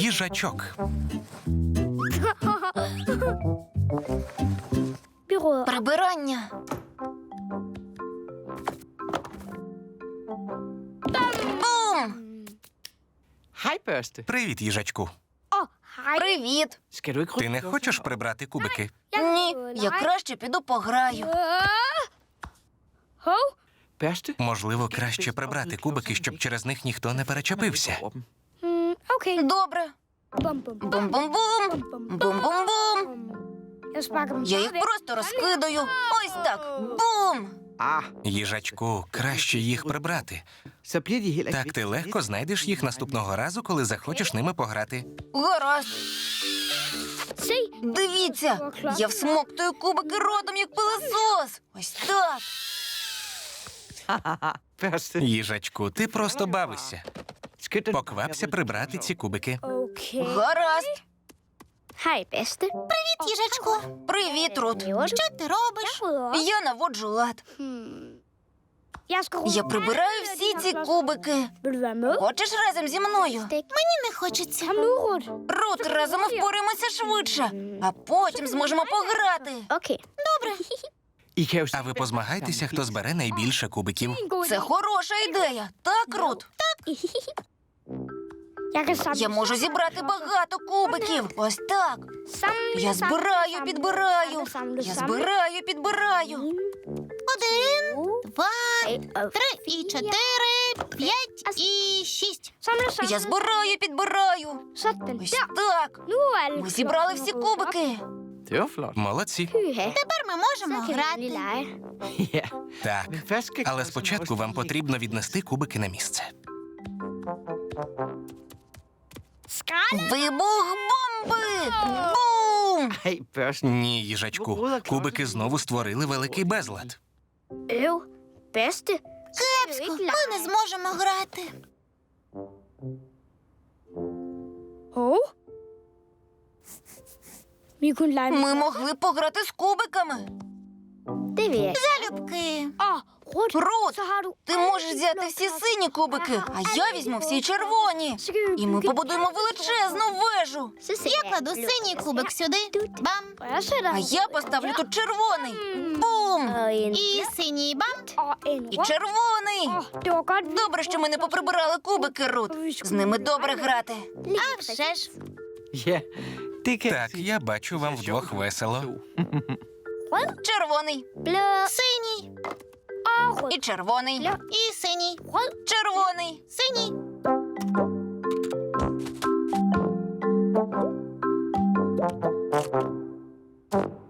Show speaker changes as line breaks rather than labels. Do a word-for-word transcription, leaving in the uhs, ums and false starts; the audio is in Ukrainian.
Їжачок.
Прибирання. Бум!
Hej, børste.
Привіт, їжачку.
Привіт.
Skal du ikke
Ти не хочеш прибрати кубики?
Ні, я краще піду пограю.
Børste?
Можливо, краще прибрати кубики, щоб через них ніхто не перечепився.
Добре. Бум-бум-бум. Бум-бум-бум. Я їх просто розкидаю. Ось так. Бум!
Ah,
Їжачку, краще їх прибрати.
så bliver de heller ikke
Так ти lегко знайдеш їх наступного разу, коли захочеш ними пограти.
Гаразд. Дивіться, я всмоктую кубики ротом, як пилосос. Ось так.
Børste.
Їжачку, ти просто бавишся.
Skynd dig.
Поквапся прибрати ці кубики.
Гаразд.
Хай, бесте.
Привіт, їжачку. Привіт, Рут. Що ти робиш? Я наводжу лад. Я прибираю всі ці кубики. Хочеш разом зі мною? Мені не хочеться. Рут, разом ми впораємося швидше, а потім зможемо пограти.
Окей.
I kan jo
А ви позмагайтеся, хто збере найбільше кубиків.
Це хороша ідея. Так, Рут? Я можу зібрати багато кубиків. Ось так. Я збираю, підбираю. Я збираю, підбираю. Один, два, три і чотири, п'ять і шість. Я збираю, підбираю. Ось так. Ми зібрали всі кубики.
Det var flot.
Молодці.
Тепер ми можемо грати.
Ja.
Так.
Men først skal
Але
Claus
спочатку
have
вам потрібно віднести кубики на місце.
Вибух бомби! Бум!
Hej, børste.
Ні, їжачку. Кубики знову створили великий безлад.
Øv. Bedste.
Кепсько, ми не зможемо грати.
Hov. Vi kunne lege
Ми могли пограти з кубиками.
Det vil jeg.
Залюбки.
Åh, Rut.
Рут,
Så har du...
ти можеш взяти всі сині кубики, а я візьму всі червоні. І ми побудуємо величезну вежу.
Я кладу синій кубик
сюди. Бам.
А
А я поставлю тут червоний. Бум. І синій бам. І червоний.
Det var godt.
Добре, що ми не поприбирали кубики, Рут. З ними добре грати.
А вже ж.
Ja, det kan jeg
Так,
se.
я бачу, вам вдвох весело.
Червоний.
Blå.
Синій.
Og rød.
І червоний. І синій. Червоний. Синій.
Rød.